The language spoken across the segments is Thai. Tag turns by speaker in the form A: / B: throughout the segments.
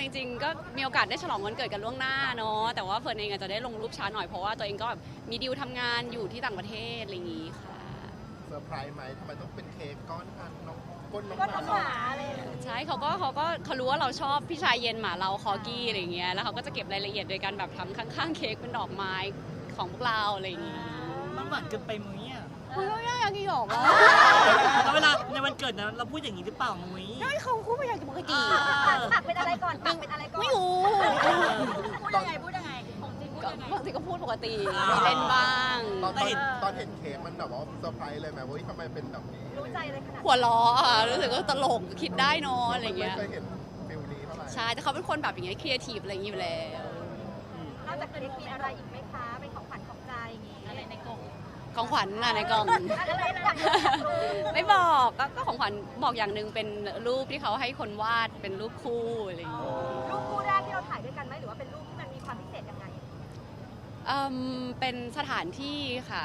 A: จริงๆก็มีโอกาสได้ฉลองวันเกิดกันล่วงหน้าเนาะแต่ว่าเฟิร์นเองอาจจะได้ลงรูปช้าหน่อยเพราะว่าตัวเองก็แบบมีดีลทำงานอยู่ที่ต่างประเทศอะไรอย่างงี้ค่ะ
B: เซอร์ไพรส์ไหมทำไมต้องเป็นเค้กก้อนอันน้องก้นน้อง
C: ก็น้องห
B: หมา
C: มาอะไรอย่างเงี้ย
A: ใช่เขารู้ว่าเราชอบพี่ชายเย็นหมาเราคอกี้อะไรอย่างเงี้ยแล้วเขาก็จะเก็บรายละเอียดโดยการแบบทำข้างๆเค้กเป็นดอกไม้ของพวกเราอะไรอย่างงี้
D: มันหวานเกินไปมุ้ยอ่ะ
A: มันก็ยากกี่หรอกวะ
D: แล้วเวลาในวันเกิดนะเราพูดอย่างนี้หรือเปล่ามุ้ย
A: ไม่เขาพูดไม่อยากจะปกติ
C: ปากเป็นอะไรก่อนปากเป็นอะไรก่อน
A: ไม่รู้
C: พูดยังไงพูดยังไงของจริงพูด
A: ก็
C: ยังไง
A: บางทีก็พูดปกติมีเล่นบ้าง
B: ตอนเห็นเค้กมันแบบว่าเซอร์ไพรส์เลยไหมว่าทำไมเป็นแบบนี้
C: รู้ใจอะไรขนาด
A: หัวล้อค่ะรู้สึกว่าตลกคิดได้เนอะอะไรเงี้ย
B: ไม่เคยเห็นฟิลนี้เท่าไหร่
A: ใช่แต่เขาเป็นคนแบบอย่างเงี้ยครีเอทีฟอะไรอย่างงี้อยู่แล้ว
C: นอกจากเค้กมีอะไรอีกไหมคะเป็นของขวัญของใจอย่างงี้อะไรในกล่อง
A: ของขวัญน่ะในกล่อง
C: อะไรอยากรู้
A: ไม่บอกก็ของขวัญบอกอย่างหนึ่งเป็นรูปที่เขาให้คนวาดเป็นรูปคู่อะไรอย่างงี้
C: รูปคู่แรกที่เราถ่ายด้วยกันไหมหรือว่าเป็นรูปที่มันมีความพิเศษยังไง
A: เป็นสถานที่ค่ะ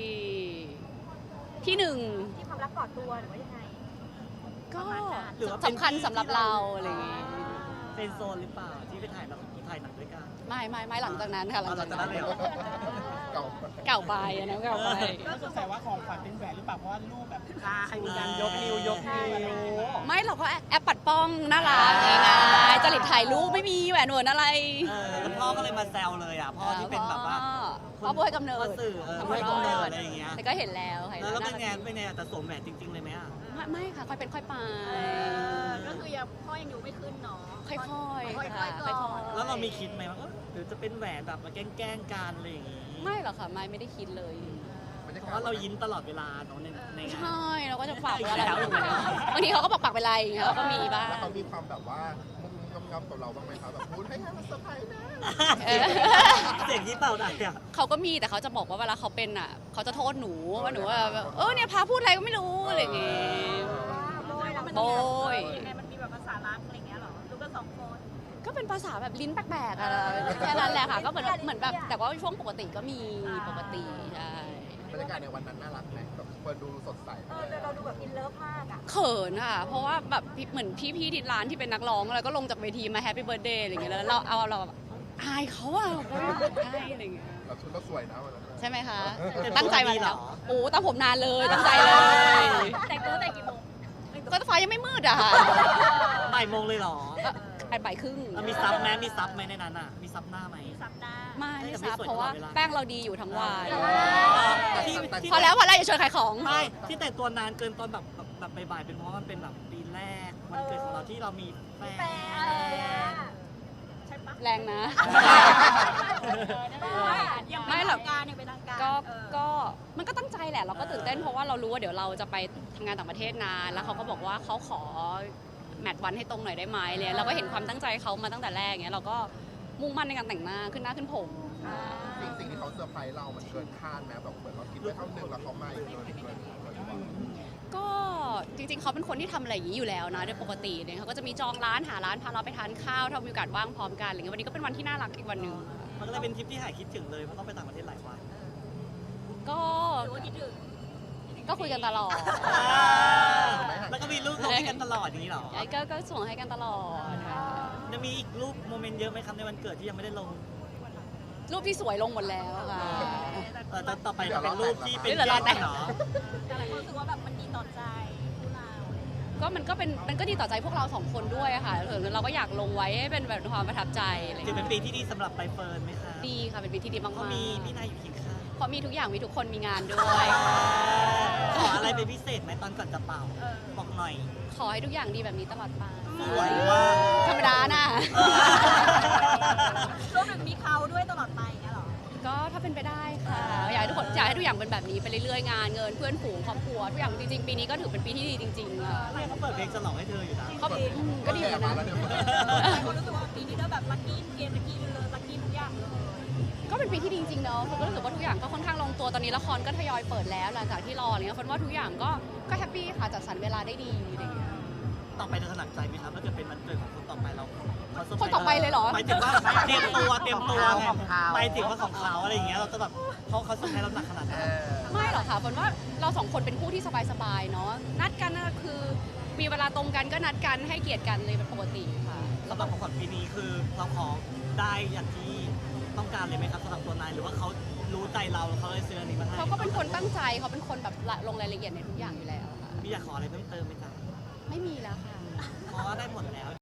A: ที่หนึ่ง
C: ที่ความรักกอดตัวหรือว่ายังไง
A: ก็
D: หรือว่าเป็น
A: สำคัญสำหรับเราอะไรอย่างงี้
D: เฟรนด์โซนหรือเปล่าที่ไปถ่ายหนังด้วยกัน
A: ไม่หลังจากนั้นค่ะหลังจากนั้น
D: เลยเหรอ
B: เก่า
A: เก่าไปอันนั้นเก่าไป
E: ก็สงสัยว่าของขวัญเป็นแหวนหรือเปล่าเพราะว่ารูปแบบใครมีการยกนิ้วยกนิ้ว
A: ไม่เราก็แอปปัดป้องน่ารักง่ายๆจริตถ่ายรูปไม่มีแหวนหนวดอะไร
D: แล้วพ่อก็เลยมาแซวเลยอ่ะพ่อที่เป็นแบบว่า
A: พ่อผู้ให้กำเนิด
D: พ่อสื่อผู้ให้กำเนิดอะไรอย่างเงี้ย
A: แต่ก็เห็นแล้วค่ะ
D: แล้วเป็นไงแต่สวมแหวนจริงๆเลยไหมอ่ะ
A: ไม่ค่ะค่อยเป็นค่อยไป
C: ก็คือยังพ่อยังอยู่ไม่ขึ้นเนาะ
A: ค่อยๆค่ะ
C: ค่อยๆก่อน
D: แล้วเรามีคิดไหมว่าหรือจะเป็นแหวนแบบมาแกล้งกันอะไรอย่างงี้
A: ไม่หรอกค่ะไม่ได้คิดเลย
D: เพราะว่าเรายิ้มตลอดเวลาเนาะในงาน
A: ใช่เราก็จะฝากไว้อะไร
D: แล้ว
A: บางทีเขาก็บอกปักเป็นไรอย่างเงี้ยเราก็มีบ้าง
B: แล้วเขามีความแบบว่ามุ้งงำกับเราบ้างไหมครับแบบพูดให้มันเซอร์ไพรส์นะ
D: เสียงที่เปล่าได้อ่ะ
A: เขาก็มีแต่เขาจะบอกว่าเวลาเขาเป็นอ่ะเขาจะโทษหนูว่าหนูว่าแบบเนี่ยพาพูดอะไรก็ไม่รู้อะไรอย่างเงี้ย
C: โบยแล้วมัน
A: โบย
C: ยังไงมันมีแบบภาษารักอะไรอย่างเงี้ยหรอรู้กันสองคน
A: ก็เป็นภาษาแบบลิ้นแปลกๆอะแค่นั้นแหละค่ะก็เหมือนแบบแต่ว่าช่วงปกติก็มีปกติใช่
B: บรรยากาศในวันนั้นน่ารักไหมแบบเปิดดูสดใส
C: แต่เราดูแบบอินเลิฟมากอ่ะ
A: เขินค่ะเพราะว่าแบบเหมือนพี่ที่ร้านที่เป็นนักร้องแล้วก็ลงจากเวทีมาแฮปปี้เบิร์ดเดย์อะไรอย่างเงี้ยแล้วเราแบบอายเขาอะอายอะไรอย่างเงี้ย
B: เราชุดก็สวยนะวันนั้น
A: ใช่ไหมคะ
D: แต่
A: ตั้งใจมา
D: ดีเหร
A: แล้ว
D: อ
A: โอ้ตามผมนานเลยตั้งใจเลย
C: แต่งตัวแต่งกี่โมง
A: ก็ฟ้ายังไม่มืดอะค่ะ
D: บ่ายโมงเลยเหรอ
A: บ่ายครึ่ง
D: มีซับไหมมีซับไหมในนั้นอ่ะมีซับหน้าไหม
C: สัปดาห์
A: ไม่ซับเพราะว่าแป้งเราดีอยู่ทั้งวัน
D: ที่
A: พอแล้วอย่าชวนขายของ
D: ไม่ที่แต่งตัวนานเกินตอนแบบบ่ายๆเป็นเพราะว่ามันเป็นแบบปีแรกวันเกิดของเราที่เรามีแฟ
C: แฟ
D: น
C: นอะไรอ่ะใช่ปะ
A: แรงนะ ไม่หรอก
C: การยังเป็นทางการ
A: ก็มันก็ตั้งใจแหละเราก็ตื่นเต้นเพราะว่าเรารู้ว่าเดี๋ยวเราจะไปทำงานต่างประเทศนานแล้วเขาก็บอกว่าเขาขอแมทวันให้ตรงหน่อยได้ไหมเลยเราก็เห็นความตั้งใจเขามาตั้งแต่แรกเงี้ยเราก็มุ่งมั่นในการแต่งหน้าขึ้นหน้าขึ้นผม
B: สิ่งที่เขาเซอร์ไพรส์เรามันเกินคาดไหมแบบเหมือนเราคิดไว้เท่านึงแล้วเขาไม่เกิน
A: ก็จริงๆเขาเป็นคนที่ทำอะไรอย่างนี้อยู่แล้วนะโดยปกติเนี่ยเขาก็จะมีจองร้านหาร้านพาเราไปทานข้าวถ้ามีโอกาสว่างพร้อมกันอะไรเงี้ยวันนี้ก็เป็นวันที่น่ารักอีกวันหนึ่ง
D: มันก็เลยเป็นทริปที่หายคิดถึงเลยเพราะต้องไปต่างประเทศหลายวัน
A: ก็
C: หรือว่าคิดถึง
A: ก็คุยกันตลอด
D: แล้วก็มีรูปลงให้กันตลอดอย่างนี้เหรอ
A: ไอ้ก็ส่งให้กันตลอดค่ะ
D: จะมีอีกรูปโมเมนต์เยอะไหมครับในวันเกิดที่ยังไม่ได้ลง
A: รูปที่สวยลงหมดแล้วค่ะ
D: แต่ต่อไปจะเป็นรูปที่เป็น
A: เดี๋ยวรอแต่ง
D: เหรอ
C: แต่หลายคนรู้สึกว่าแบบมันดีต่อใจพวกเรา
A: ก็มันก็ดีต่อใจพวกเราสองคนด้วยอะค่ะเราก็อยากลงไว้ให้เป็นแบบความประทับใจอะไร
D: ถือเป็
A: เงี้
D: น
A: ย
D: ปีที่ดีสำหรับใบเฟิร์นไหมคะ
A: ดีค่ะเป็นปีที่ดีมาก
D: เขามีพี่นายอยู่เคียงข้าง
A: ๆเพราะมีทุกอย่างมีทุกคนมีงานด้วย
D: ขออะไรเป็นพิเศษไหมตอนก่อนจะเป่าบอกหน่อย
A: ขอให้ทุกอย่างดีแบบนี้ตลอดไป
D: สวยมาก
A: ธรรมดาน่ะ
C: รวมถึงมีเขาด้วยตลอดไปอย่างเงี้ยหรอ
A: ก็ถ้าเป็นไปได้ค่ะอยากให้ทุกอย่างเป็นแบบนี้ไปเรื่อยๆงานเงินเพื่อนฝูงครอบครัวทุกอย่างจริงๆปีนี้ก็ถือเป็นปีที่ดีจริงๆค่ะ
D: เนี่ยเขาเปิดเพลงฉลองให้เธออยู่นะ
A: ก็ดีเหมือนกันนะ
C: หลายคนรู้สึกว่าปีนี้ก็แบบลัคกี้เกมลัคกี้เลยลัคกี้ทุกอย่างเลย
A: ก็เป็นปีที่ดีจริงๆเนาะก็รู้สึกว่าทุกอย่างก็ค่อนข้างลงตัวตอนนี้ละครก็ทยอยเปิดแล้วหลังจากที่รออะไรเงี้ยคนว่าทุกอย่างก็แฮปปี้ค่ะจัดสรรเวลาได้ดีอะไรเงี้ย
D: ต่อไปจะถนัดใจไหมครับถ้าเกิดเป็นวันเกิดของคนต่อไปเราเขาเซร์พรส์
A: คนต่อไปเลยเหรอ
D: หมายถึงว่าเตรียมตัวไงหมายถึงว่าของเขาอะไรอย่างเงี้ยเราจะแบบเขาเซอร์ไพรส์เราหนักขนาดไหน
A: ไม่หรอกค่ะฝนว่าเราสองคนเป็นคู่ที่สบายๆเนาะนัดกันน่ะคือมีเวลาตรงกันก็นัดกันให้เกียรติกันเลยเป็นปกติค่ะ
D: สำหรับของขวัญปีนี้คือเราขอได้อย่างที่ต้องการเลยไหมครับสำหรับตัวนายหรือว่าเขารู้ใจเราเขาเลยซื้ออันนี้มาให้
A: เขาก็เป็นคนตั้งใจเขาเป็นคนแบบลงรายละเอียดในทุกอย่างอยู่แล้วค่ะ
D: มีอยากขออะไรเพิ่มเติมไหมจ๊ะ
A: ไม่มีแล้วค่ะ
D: ขอได้หมดแล้ว